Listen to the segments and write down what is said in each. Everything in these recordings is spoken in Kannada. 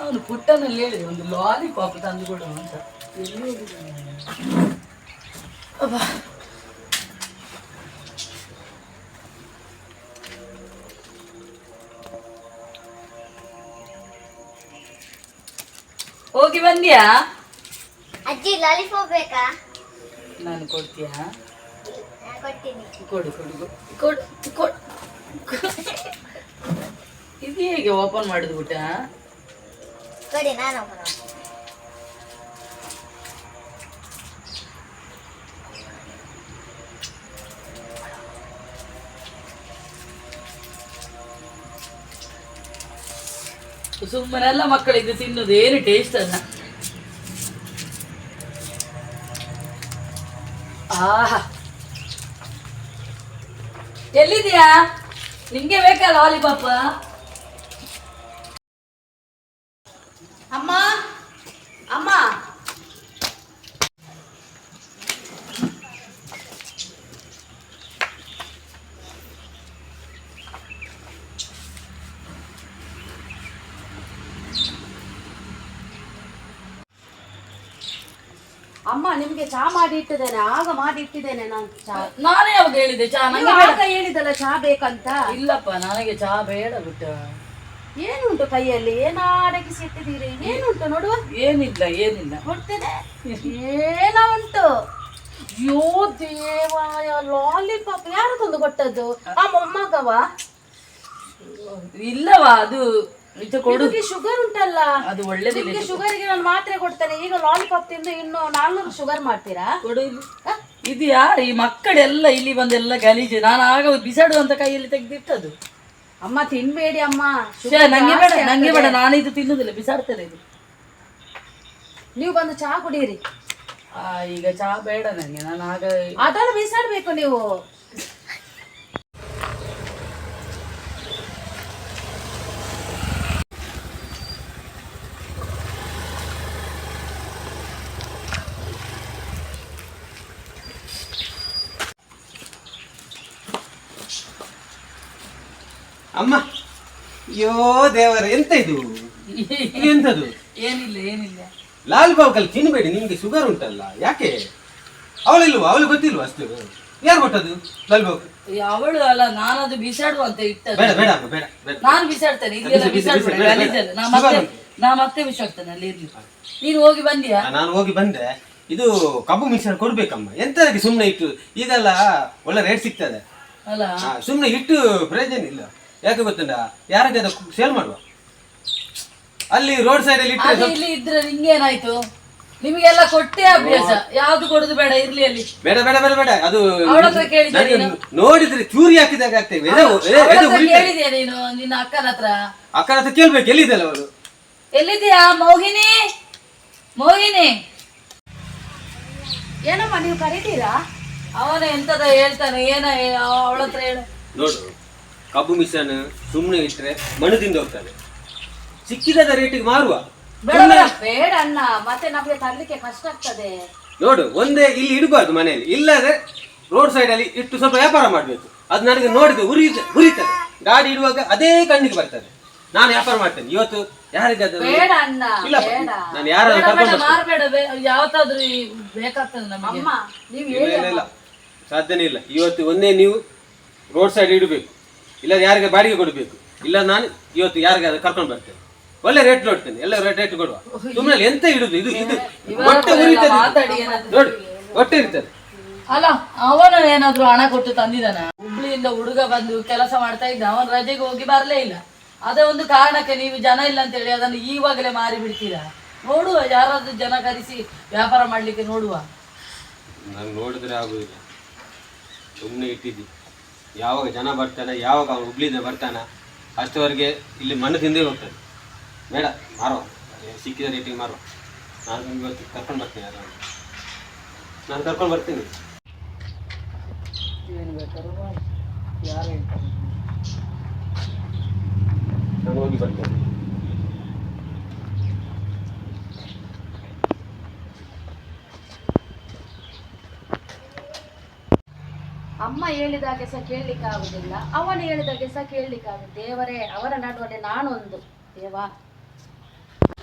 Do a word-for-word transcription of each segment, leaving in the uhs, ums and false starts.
ಅವನು ಪುಟ್ಟನಲ್ಲಿ ಹೇಳಿ ಒಂದು ಲಾಲಿಪಾಪ್ ತಂದು ಕೊಡು ಅಂತ. ಎಲ್ಲಿ ಹೋಗಿದ್ದಾನೆ? ಅಬ್ಬಾ, ಹೋಗಿ ಬಂದ್ಯಾ? ಅಜ್ಜಿ ಲಾಲಿಪಾಪ್ ಬೇಕಾ? ನಾನು ಕೊಡ್ತೀಯಾ? ಕೊಡ್ತೀನಿ. ಕೊಡು ಕೊಡು ಕೊಡು ಕೊಡು. ಇದು ಹೇಗೆ ಓಪನ್ ಮಾಡಿದ್ ಬಿಟ್ಟ? ಕೊಡಿ, ನಾನು ಓಪನ್ ಮಾಡ್ತೀನಿ. ಸುಮ್ಮನೆಲ್ಲ ಮಕ್ಕಳಿಗೆ ತಿನ್ನೋದು ಏನು ಟೇಸ್ಟ್ ಅಲ್ಲ. ಆಹಾ, ಎಲ್ಲಿದ್ಯಾ? ನಿಂಗೆ ಬೇಕಾ ಲಾಲಿಪಾಪ್? ಅಮ್ಮ ಅಮ್ಮ ಅಮ್ಮ ನಿಮ್ಗೆ ಚಾ ಮಾಡಿ ಇಟ್ಟಿದ್ದೇನೆ, ಆಗ ಮಾಡಿ ಇಟ್ಟಿದ್ದೇನೆ ನಾನು ಚಾ. ನಾನೇ ಯಾವಾಗ ಹೇಳಿದೆ ಚಾ? ನೀವು ಆಗ ಹೇಳಿದಲ್ಲ ಚಾ ಬೇಕಂತ. ಇಲ್ಲಪ್ಪ, ನನಗೆ ಚಾ ಬೇಡ ಬಿಟ್ಟ. ಏನುಂಟು ಕೈಯಲ್ಲಿ? ಏನೋ ಅಡಗಿಸಿ ಇಟ್ಟಿದ್ದೀರಿ, ಏನುಂಟು ನೋಡುವ. ಏನಿಲ್ಲ ಏನಿಲ್ಲ. ಕೊಡ್ತೇನೆ. ಏನೋ ಉಂಟು. ಯೋ ದೇವಾಯ, ಲಾಲಿಪಾಪ್ ಯಾರು ತಂದು ಕೊಟ್ಟದ್ದು? ಆ ಮೊಮ್ಮಗವ? ಇಲ್ಲವಾ, ಅದು ನಿಜ ಕೊಡು. ಶುಗರ್ ಉಂಟಲ್ಲ, ಅದು ಒಳ್ಳೇದಿಲ್ಲ. ಶುಗರ್ಗೆ ನಾನು ಮಾತ್ರೆ ಕೊಡ್ತೇನೆ. ಈಗ ಲಾಲಿಪಾಪ್ ತಿಂದು ಇನ್ನು ನಾಲ್ನೂರು ಶುಗರ್ ಮಾಡ್ತೀರಾ? ಕೊಡು. ಇದು ಯಾರು ಈ ಮಕ್ಕಳೆಲ್ಲ ಇಲ್ಲಿ ಬಂದೆಲ್ಲ ಗಲೀಜು. ನಾನು ಆಗ ಬಿಸಾಡುವಂತ ಕೈಯಲ್ಲಿ ತೆಗೆದಿಟ್ಟದು. ಅಮ್ಮ ತಿನ್ಬೇಡಿ ಅಮ್ಮ, ನಂಗೆ ಬೇಡ, ನಂಗೆ ಬೇಡ, ನಾನು ಇದು ತಿನ್ನುದಿಲ್ಲ, ಬಿಸಾಡ್ತೇನೆ ಇದು. ನೀವು ಬಂದು ಚಹಾ ಕುಡಿಯಿರಿ. ಆ ಈಗ ಚಹಾ ಬೇಡ ನಂಗೆ, ನಾನು ಆಗ ಅದನ್ನು ಬಿಸಾಡ್ಬೇಕು ನೀವು. ಅಮ್ಮ, ಅಯ್ಯೋ ದೇವರ, ಎಂತ ಇದು? ಎಂತದು? ಏನಿಲ್ಲ ಏನಿಲ್ಲ. ಲಾಲ್ ಬಾಬು ತಿನ್ಬೇಡಿ, ನಿಮ್ಗೆ ಶುಗರ್ ಉಂಟಲ್ಲ. ಯಾಕೆ? ಅವಳಿಲ್ವಾ? ಅವಳು ಗೊತ್ತಿಲ್ವಾ ಅಷ್ಟು? ಯಾರು ಕೊಟ್ಟದ್ದು ಲಾಲ್ ಬಾಬು? ಅವಳು ಅಲ್ಲ, ನಾನು ಅದು ಬಿಸಾಡುವ ಅಂತ ಇಟ್ಟದ್ದು. ಬೇಡ ಬೇಡ ಅಮ್ಮ, ಬೇಡ ಬೇಡ. ನಾನು ಬಿಸಾಡ್ತೇನೆ, ಇದೆಲ್ಲ ಬಿಸಾಡ್ಬೇಡ, ಗಲೀಜಲ್ಲ. ನಾ ಮತ್ತೆ ನಾ ಮತ್ತೆ ಬಿಸಾಡ್ತೇನೆ ಅಲ್ಲಿ ಇರ್ಲಿ. ನೀನು ಹೋಗಿ ಬಂದಿಯಾ? ನಾನು ಹೋಗಿ ಬಂದೆ. ಇದು ಕಬ್ಬು ಮಿಶ್ರಣ ಕೊಡ್ಬೇಕಮ್ಮ. ಎಂತದಕ್ಕೆ ಸುಮ್ಮನೆ ಇಟ್ಟು? ಈಗೆಲ್ಲ ಒಳ್ಳೆ ರೇಟ್ ಸಿಗ್ತದೆ ಅಲ್ಲ, ಸುಮ್ಮನೆ ಇಟ್ಟು ಪ್ರಯೋಜನ ಇಲ್ಲ. ಯಾಕೆ ಗೊತ್ತುಂಟ? ಯಾರಿಗೆ ಅದು ಸೇಲ್ ಮಾಡುವ, ಅಲ್ಲಿ ರೋಡ್ ಸೈಡ್ ಅಲ್ಲಿ ಅದು ಇಲ್ಲಿ ಇದ್ರೆ ನಿಂಗೇನಾಯ್ತು? ನಿಮಗೆಲ್ಲ ಕೊಟ್ಟೆ ಅಭ್ಯಾಸ, ಯಾವ್ದು ಕೊಡುದು ಬೇಡ, ಇರ್ಲಿ ಅಲ್ಲಿ. ಬೇಡ ಬೇಡ ಬೇಡ ಬೇಡ. ಅದು ಅವಳ ಹತ್ರ ಕೇಳಿದ್ಯಾ ನೀನು? ನೋಡಿದ್ರೆ ಚೂರಿ ಹಾಕಿದಾಗ ಆಗ್ತೇವೆ. ಕೇಳಿದ್ಯಾ ನೀನು ನಿನ್ನ ಅಕ್ಕನ ಹತ್ರ? ಅಕ್ಕನ ಹತ್ರ ಕೇಳ್ಬೇಕು, ಎಲ್ಲಿದ್ದಲ್ಲ ಅವಳು. ಎಲ್ಲಿದ್ಯಾ ಮೋಹಿನಿ? ಮೋಹಿನಿ, ಏನಮ್ಮ ನೀವು ಕರೀತೀರಾ? ಅವನ ಎಂತದ ಹೇಳ್ತಾನೆ, ಏನ ಅವಳ ಹತ್ರ ಹೇಳು. ನೋಡು, ಕಬ್ಬು ಮಿಶ್ರಣ ಸುಮ್ಮನೆ ಇಟ್ರೆ ಮಣ್ಣು ತಿಂದು ಹೋಗ್ತದೆ. ಸಿಕ್ಕಿದ ರೇಟಿಗೆ ಮಾರುವ. ಬೇಡ ಬೇಡ ಬೇಡ ಅಣ್ಣ, ಮತ್ತೆ ನಮ್ಗೆ ತರ್ಲಿಕ್ಕೆ ಕಷ್ಟ ಆಗ್ತದೆ. ನೋಡು, ಒಂದೇ ಇಲ್ಲಿ ಇಡಬಾರ್ದು ಮನೆಯಲ್ಲಿ, ಇಲ್ಲದೆ ರೋಡ್ ಸೈಡ್ ಅಲ್ಲಿ ಇಟ್ಟು ಸ್ವಲ್ಪ ವ್ಯಾಪಾರ ಮಾಡ್ಬೇಕು. ಅದು ನನಗೆ ನೋಡಿದ್ರೆ ಉರಿ ಉರಿತದೆ. ಗಾಡಿ ಇಡುವಾಗ ಅದೇ ಕಣ್ಣಿಗೆ ಬರ್ತದೆ. ನಾನು ವ್ಯಾಪಾರ ಮಾಡ್ತೇನೆ ಇವತ್ತು. ಯಾರಿಗಾದ್ರೂ ಬೇಡ ಅಣ್ಣ, ಇಲ್ಲ, ಬೇಡ. ನಾನು ಯಾರಾದ್ರೂ ಕರ್ಕೊಂಡು ಬರ್ತೇನೆ. ಮಾರ್ಬೇಡ, ಯಾವತ್ತಾದ್ರೂ ಬೇಕಾಗ್ತದೆ ನಮಗೆ. ಅಮ್ಮ ನೀವು ಇಲ್ಲ ಇಲ್ಲ ಇಲ್ಲ, ಸಾಧ್ಯನೇ ಇಲ್ಲ. ಇವತ್ತು ಒಂದೇ ನೀವು ರೋಡ್ ಸೈಡ್ ಇಡಬೇಕು, ಇಲ್ಲ ಯಾರಿಗೆ ಬಾಡಿಗೆ ಕೊಡಬೇಕು. ಇಲ್ಲ ನಾನು ಇವತ್ತು ಯಾರಿಗಾದ್ರೂ ಕರ್ಕೊಂಡು ಬರ್ತೇನೆ, ಒಳ್ಳೆ ರೇಟ್ ನೋಡ್ತೇನೆ, ಎಲ್ಲ ರೇಟ್ ರೇಟ್ ಕೊಡುವ. ಸುಮ್ಮನೆ ಎಂತ ಇಡುದು? ಇದು ಇದು ಹೊಟ್ಟೆ ಉರಿತದೆ ನೋಡಿ, ಹೊಟ್ಟೆ ಇರ್ತದೆ. ಅಲ್ಲ, ಅವನು ಏನಾದ್ರು ಹಣ ಕೊಟ್ಟು ತಂದಿದ್ದಾನ? ಹುಬ್ಳಿಯಿಂದ ಹುಡುಗ ಬಂದು ಕೆಲಸ ಮಾಡ್ತಾ ಇದ್ದ, ಅವನ್ ರಜೆಗೆ ಹೋಗಿ ಬರ್ಲೇ ಇಲ್ಲ. ಅದೇ ಒಂದು ಕಾರಣಕ್ಕೆ ನೀವು ಜನ ಇಲ್ಲ ಅಂತ ಹೇಳಿ ಅದನ್ನು ಈವಾಗಲೇ ಮಾರಿ ಬಿಡ್ತೀರಾ? ನೋಡುವ, ಯಾರಾದ್ರೂ ಜನ ಕರೆಸಿ ವ್ಯಾಪಾರ ಮಾಡ್ಲಿಕ್ಕೆ ನೋಡುವ. ನಾನು ನೋಡಿದ್ರೆ ಆಗುದಿಲ್ಲ, ಸುಮ್ಮನೆ ಇಟ್ಟಿದ್ದಿ. ಯಾವಾಗ ಜನ ಬರ್ತಾನೆ, ಯಾವಾಗ ಅವನು ಹುಬ್ಳಿಂದ ಬರ್ತಾನ, ಅಷ್ಟವರೆಗೆ ಇಲ್ಲಿ ಮಣ್ಣು ತಿಂದೇ ಹೋಗ್ತಾನೆ. ಬೇಡ, ಮಾರುವ, ಸಿಕ್ಕಿದ ರೇಟಿಗೆ ಮಾರುವ. ನಾನು ಇವತ್ತು ಕರ್ಕೊಂಡು ಬರ್ತೀನಿ, ಯಾರು ನಾನು ಕರ್ಕೊಂಡು ಬರ್ತೀನಿ. ಏನು ಬೇಕಾದ್ರೂ ಮಾಡಿ, ಯಾರು ಹೇಳ್ತಾರೆ? ನಾನು ಹೋಗಿ ಬರ್ತೇನೆ. ಅಮ್ಮ ಹೇಳಿದಾಗೆ ಸಹ ಕೇಳಲಿಕ್ಕೆ ಆಗುದಿಲ್ಲ, ಅವನು ಹೇಳಿದಾಗೆ ಸಹ ಕೇಳಲಿಕ್ಕೆ ಆಗುದು. ದೇವರೇ, ಅವರ ನಡುವೆ ನಾನೊಂದು ದೇವ.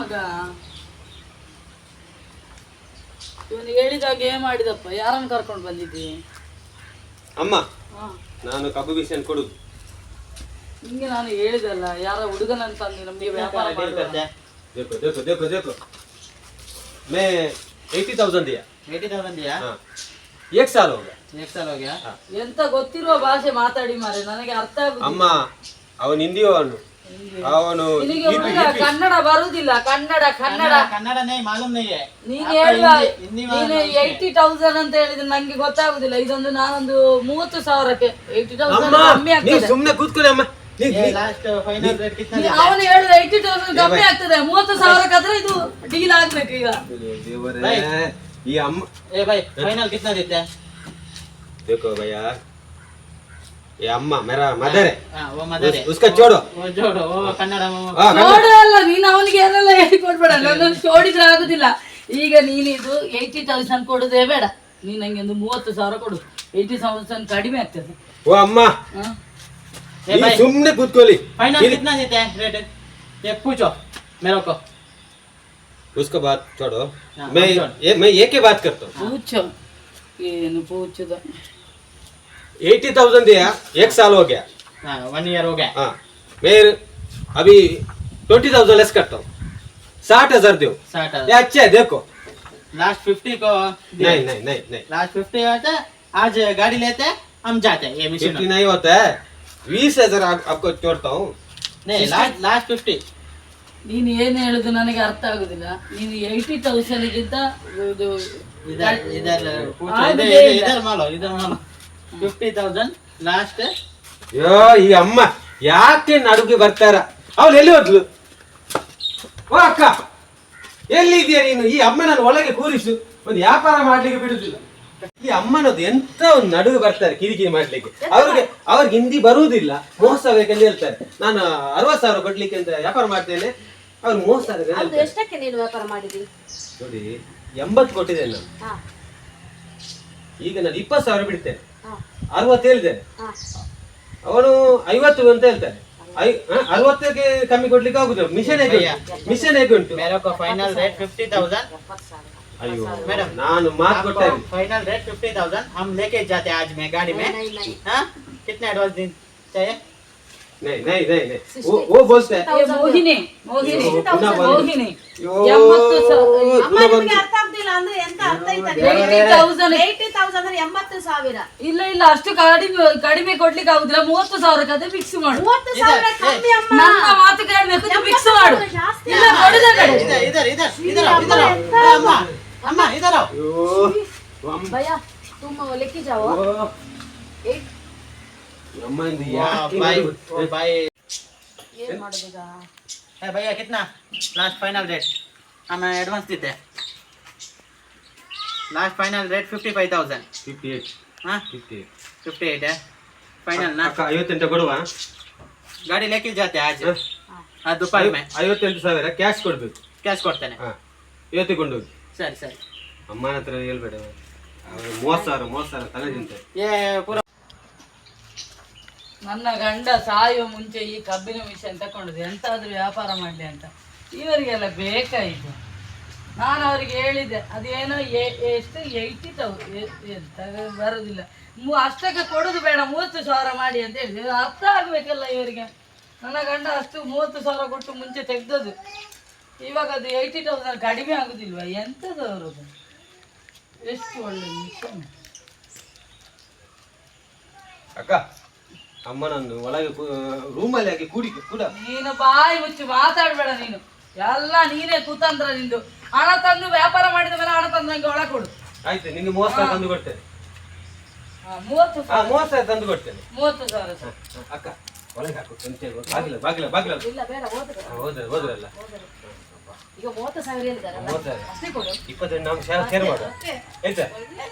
ಮಗ ಇವನು ಹೇಳಿದಾಗ ಏನ್ ಮಾಡಿದಪ್ಪ? ಯಾರನ್ನು ಕರ್ಕೊಂಡು ಬಂದಿದ್ದಿ? ಅಮ್ಮ ಹಾ, ನಾನು ಕಬ್ಬು ಬಿಸಿಯನ್ನು ಕೊಡುದು. ನಿಂಗೆ ನಾನು ಹೇಳಿದಲ್ಲ, ಯಾರ ಹುಡುಗನಂತ ಅಂದು ನಮಗೆ ವ್ಯಾಪಾರ ಮಾಡುವ. देखो देखो देखो देखो मैं एटी थाउजेंड दिया एटी थाउजेंड दिया हाँ एक साल हो गया एक साल हो गया ಎಂತ ಗೊತ್ತಿರುವ ಭಾಷೆ ಮಾತಾಡಿ ಮಾರೆ, ನನಗೆ ಅರ್ಥ ಆಗುದಿಲ್ಲ. ಅಮ್ಮ ಅವನು ಹಿಂದಿಯವನು ಅವನು ನಿನಗೆ ಹುಡುಗ ಕನ್ನಡ ಬರುದಿಲ್ಲ. ಕನ್ನಡ ಕನ್ನಡ कन्नड़ नहीं मालूम नहीं है ನೀನು आपको ಹೇಳುವ हिंदी- हिंदी ನೀನು मालूम ಏಯ್ಟಿ ತೌಸಂಡ್ ಅಂತ ಹೇಳಿದ್ರೆ ನಂಗೆ ಗೊತ್ತಾಗುದಿಲ್ಲ. ಇದೊಂದು ನಾನೊಂದು ಮೂವತ್ತು ಸಾವಿರಕ್ಕೆ ಏಯ್ಟಿ ತೌಸಂಡ್ ಅಮ್ಮ ಕಮ್ಮಿ ನೀವು ಆಗ್ತದೆ. ಸುಮ್ಮನೆ ಕೂತ್ಕೊಳ್ಳಿ ಅಮ್ಮ ನೀ- ये ನೀ- लास्ट फाइनल रेट कितना ನೀ- दिया ಅವನು ಹೇಳಿದ ಏಯ್ಟಿ ತೌಸಂಡ್ ಕಮ್ಮಿ ಆಗ್ತದೆ. ಮೂವತ್ತು ಸಾವಿರಕ್ಕಾದ್ರೆ ಇದು ಡೀಲ್ ಆಗ್ಬೇಕು ಈಗ. ದೇವರೇ ಈ ಅಮ್ಮ ए भाई फाइनल कितना देते हैं देखो भैया ये अम्मा मेरा मदर है हाँ वो मदर है उस, उसका छोड़ो वो जोड़ो वो कन्नड़ वो हाँ, कन्नड़। ನೋಡು ಅಲ್ಲ, ನೀನು ಅವನಿಗೆ ಏನೆಲ್ಲ ಹೇಳಿಕೊಡ್ಬೇಡ. ನನ್ನನ್ನು ಜೋಡಿದ್ರೆ ಆಗುದಿಲ್ಲ. ಈಗ ನೀನು ಇದು ಏಯ್ಟಿ ತೌಸಂಡ್ ಕೊಡುದೇ ಬೇಡ. ನೀನು ನಂಗೆ ಒಂದು ಮೂವತ್ತು ಸಾವಿರ ಕೊಡು. ಏಯ್ಟಿ ತೌಸಂಡ್ ಕಡಿಮೆ ಆಗ್ತದೆ. वो अम्मा ಹ? ए ये भाई सुमने ಕೂತ್ಕೊಳ್ಳಿ फाइनल कितना देते हैं रेट ये पूछो मेरे को उसका बात छोड़ो हाँ, मैं हम छोड़। ये मैं ये की बात करता हूँ ಪೂಚೋ ಏನು ಪೂಚದ? एटी थाउजेंड दिया एक साल हो गया हाँ वन ईयर हो गया हाँ मैं अभी ट्वेंटी थाउजेंड लेस करता हूँ साठ हजार दो साठ ये अच्छा है देखो लास्ट फिफ्टी को नहीं नहीं नहीं नहीं लास्ट फिफ्टी होता है आज गाड़ी लेते हैं हम जाते हैं ये फिफ्टी मिशन नहीं होता है बीस हजार आप, आपको छोड़ता हूँ नहीं लास्ट लास्ट फिफ्टी ನೀನು ಏನು ಹೇಳುದು ನನಗೆ ಅರ್ಥ ಆಗುದಿಲ್ಲ. ನೀನು ಏಯ್ಟಿ ತೌಸಂಡ್ ಗಿಂತ ಇದು इधर इधर पूछो हाँ, इधर मुझे इधर इधर- इधर मालो इधर मालो फिफ्टी थाउजेंड लास्ट ಅಯ್ಯೋ ಈ ಅಮ್ಮ ಯಾಕೆ ನಡುಗೆ ಬರ್ತಾರ? ಅವಳು ಎಲ್ಲಿ ಹೋದ್ಲು? ಓ ಅಕ್ಕ ಎಲ್ಲಿದ್ಯಾ ನೀನು? ಈ ಅಮ್ಮನನ್ನು ಒಳಗೆ ಕೂರಿಸು, ಒಂದು ವ್ಯಾಪಾರ ಮಾಡ್ಲಿಕ್ಕೆ ಬಿಡುದಿಲ್ಲ. ಈ ಅಮ್ಮನದ್ದು ಎಂತ ಒಂದು ನಡುವೆ ಬರ್ತಾರೆ ಕಿರಿಕಿರಿ ಮಾಡ್ಲಿಕ್ಕೆ. ಅವ್ರಿಗೆ ಅವ್ರಿಗೆ ಹಿಂದಿ ಬರುವುದಿಲ್ಲ, ಮೋಸ ಬೇಕಂತ ಹೇಳ್ತಾರೆ. ನಾನು ಅರವತ್ತು ಸಾವಿರ ಕೊಡ್ಲಿಕ್ಕೆ ಅಂತ ವ್ಯಾಪಾರ ಮಾಡ್ತೇನೆ, ಅವ್ರು ಮೋಸ ಅದು ಹೇಳ್ತಾರೆ. ಎಷ್ಟಕ್ಕೆ ನೀನು ವ್ಯಾಪಾರ ಮಾಡಿದಿ? ನೋಡಿ ಎಂಬತ್ತು ಕೊಟ್ಟಿದ್ದೇನೆ ನಾನು. ಹಾ ಈಗ ನಾನು ಇಪ್ಪತ್ತು ಸಾವಿರ ಬಿಡ್ತೇನೆ, ಹಾ ಅರವತ್ತು ಹೇಳಿದ್ದೇನೆ. ಹಾ ಅವನು ಐವತ್ತು ಅಂತ ಹೇಳ್ತಾನೆ. ಐ ಹ? ಅರವತ್ತಕ್ಕೆ ಕಮ್ಮಿ ಕೊಡ್ಲಿಕ್ಕೆ ಆಗುದಿಲ್ಲ. ಮಿಷನ್ ಹೇಗೆ ಉಂಟು? ಮಿಷನ್ ಹೇಗೆ ಉಂಟು? मेरे को फाइनल रेट फिफ्टी थाउजेंड ಎಪ್ಪತ್ತು ಸಾವಿರ. ಅಯ್ಯೋ मैडम ನಾನು ಮಾತು ಕೊಟ್ಟೆ. फाइनल रेट फिफ्टी थाउजेंड हम लेके जाते हैं आज में गाड़ी में नहीं नहीं हाँ कितना एडवांस दिन चाहिए नहीं नहीं नहीं नहीं वो वो बोलते हैं ಏ, ಮೋಹಿನಿ ಮೋಹಿನಿ ಅಯ್ಯೋ, ಪುನಃ ಬಂದು. ಮೋಹಿನಿ ಅಯ್ಯೋ, ಎಂಬತ್ತು ಸಾವಿರ ಅಮ್ಮ ಪುನಃ ನಿಮಗೆ ಬಂದು. ಅರ್ಥ ಆಗ್ತಿಲ್ಲ ಅಂದ್ರೆ ಎಂತ ಅರ್ಥ ಆಯ್ತಾ? ಏಯ್ಟಿ ತೌಸಂಡ್ ಏಯ್ಟಿ ತೌಸಂಡ್ ಅಂದ್ರೆ ಎಂಬತ್ತು ಸಾವಿರ. ಇಲ್ಲ ಇಲ್ಲ ಅಷ್ಟು ಕಡಿಮೆ ಕಡಿಮೆ ಕೊಡ್ಲಿಕ್ಕೆ ಆಗುದಿಲ್ಲ. ಮೂವತ್ತು ಸಾವಿರಕ್ಕೆ ಅದೇ ಫಿಕ್ಸ್ ಮಾಡು. ಮೂವತ್ತು ಸಾವಿರ ಕಮ್ಮಿ ಅಮ್ಮ. ನನ್ನ ಮಾತು ಕೇಳ್ಬೇಕು, ಫಿಕ್ಸ್ ಮಾಡು. ಎಂಬತ್ತು ಸಾವಿರ ಜಾಸ್ತಿ ಇಲ್ಲ ಕೊಡದ ಕಡೆ इधर इधर इधर इधर आओ इधर आओ अरे अम्मा अम्मा इधर आओ ಅಯ್ಯೋ, ಅಮ್ಮ. ಭಯ್ಯ तुम लेके जाओ. ಓ, ಅಮ್ಮ ಇಂದು वाह, ಯಾಕೆ भाई ನಡುವೆ? ओ भाई ಏನ್ ಮಾಡೋದೀಗ? है भैया कितना लास्ट फाइनल रेट हम एडवांस देते हैं last final rate fifty five thousand fifty-eight, हाँ fifty-eight. फिफ्टी एट है फाइनल ना ಅಕ್ಕ ಐವತ್ತೆಂಟು ಕೊಡುವ? गाड़ी लेके जाते हैं आज ಹ? आज दोपहर में ಐವತ್ತೆಂಟು ಸಾವಿರ ಕ್ಯಾಶ್ ಕೊಡ್ಬೇಕು. कैश करते हैं ಹಾ ಇವತ್ತು ಕೊಂಡೋಗಿ. सर सर ಅಮ್ಮನ ಹತ್ರ ಹೇಳ್ಬೇಡ, ಅವ್ರು ಮೂವತ್ತು ಸಾವಿರ ಮೂವತ್ತು ಸಾವಿರ ತಲೆ ತಿಂತಾರೆ. ये पूरा ನನ್ನ ಗಂಡ ಸಾಯುವ ಮುಂಚೆ ಈ ಕಬ್ಬಿನ ಮಿಷನ್ ತಗೊಂಡಿದ್ದೆ ಎಂತಾದ್ರೂ ವ್ಯಾಪಾರ ಮಾಡ್ಲಿ ಅಂತ. ಇವರಿಗೆಲ್ಲ ಬೇಕಾಯಿತು. ನಾನು ಅವರಿಗೆ ಹೇಳಿದ್ದೆ ಅದೇನೋ ಎ- ಎಷ್ಟು ಏಯ್ಟಿ ತೌಸಂಡ್ ಬರೋದಿಲ್ಲ, ಮೂ ಅಷ್ಟಕ್ಕೆ ಕೊಡೋದು ಬೇಡ, ಮೂವತ್ತು ಸಾವಿರ ಮಾಡಿ ಅಂತ ಹೇಳಿದೆ. ಅರ್ಥ ಆಗ್ಬೇಕಲ್ಲ ಇವರಿಗೆ. ನನ್ನ ಗಂಡ ಅಷ್ಟು ಮೂವತ್ತು ಸಾವಿರ ಕೊಟ್ಟು ಮುಂಚೆ ತೆಗ್ದದ್ದು, ಇವಾಗ ಅದು ಏಯ್ಟಿ ತೌಸಂಡ್ ಕಡಿಮೆ ಆಗುದಿಲ್ವಾ? ಎಂಥದ್ದು ಅವರದು? ಎಷ್ಟು ಒಳ್ಳೆ ಮಿಷನ್. ಅಕ್ಕ ಅಮ್ಮನನ್ನು ಒಳಗೆ ರೂಮಲ್ಲಿ ಹಾಕಿ ಕೂಡಿ ಕೂಡ. ನೀನು ಬಾಯಿ ಮುಚ್ಚಿ ಮಾತಾಡ್ಬೇಡ ನೀನು. ಎಲ್ಲ ನೀನೇ ಕುತಂತ್ರ ನಿಂದು. ಹಣ ತಂದು ವ್ಯಾಪಾರ ಮಾಡಿದ ಮೇಲೆ ಹಣ ತಂದು ನಂಗೆ ಒಳ ಕೊಡು. ಆಯ್ತು, ನಿಂಗೆ ಮೂವತ್ತು ಸಾವಿರ ತಂದು ಕೊಡ್ತೇನೆ. ಹಾ, ಮೂವತ್ತು ಹಾ ಸಾವಿರ ಮೂವತ್ತು ಸಾವಿರ ತಂದು ಕೊಡ್ತೇನೆ. ಮೂವತ್ತು ಸಾವಿರ ಹ, ಹ, ಅಕ್ಕ ಒಳಗೆ ಹಾಕು, ಎಂತ ಹೇಳು? ಬಾಗಿಲ ಬಾಗಿಲ ಬಾಗಿಲ ಇಲ್ಲ ಬೇಡ ಹೋದ್ರೆ ಹೋದ್ರೆ ಹೋದ್ರಲ್ಲ. ಈಗ ಮೂವತ್ತು ಸಾವಿರ ಹೇಳಿದಾರಲ್ಲ ಮೂವತ್ತು ಸಾವಿರ ಅಷ್ಟೇ ಕೊಡು. ಇಪ್ಪತ್ತೆಂಟು ನಾವು ಶೇರ್ ಶೇರ್ ಮಾಡುವ ಆಯ್ತಾ?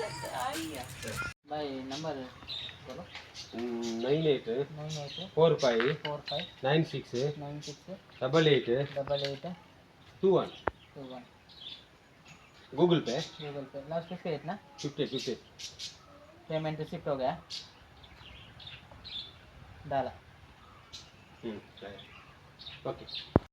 भाई नंबर बोलो nine eight nine eight four five four five nine six nine six double eight double eight two one two one Google Pay Google Pay last fifty eight ना फिफ्टी फिफ्टी पेमेंट रिसिप्ट हो गया डाला ओके